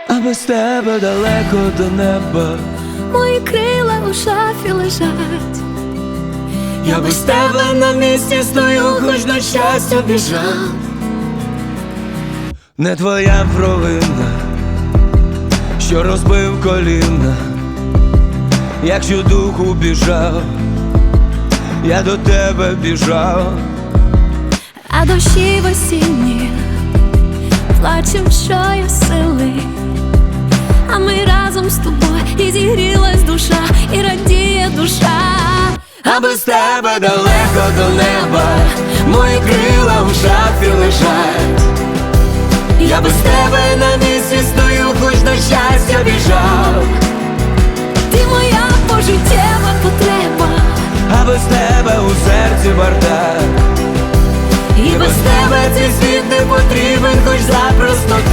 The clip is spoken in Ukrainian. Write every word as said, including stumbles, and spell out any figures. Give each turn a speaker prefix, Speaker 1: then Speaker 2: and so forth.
Speaker 1: а без тебе далеко до неба.
Speaker 2: Мої крила у шафі лежать.
Speaker 1: Я без тебе на місці стою, хоч на щастя біжав. Не твоя провина, що розбив коліна. Якщо духу біжав, я до тебе біжав.
Speaker 2: А дощі в осінні плачем, що є сили. А ми разом з тобою, і зігрілась душа, і радіє душа.
Speaker 1: А без тебе далеко до неба, мої крила в шафі лежать. Я без тебе на місці стою, хоч на щастя біжав.
Speaker 2: Ти моя пожиттєва потреба,
Speaker 1: А без тебе у серці бардак. І без тебе цей світ не потрібен, хоч запросто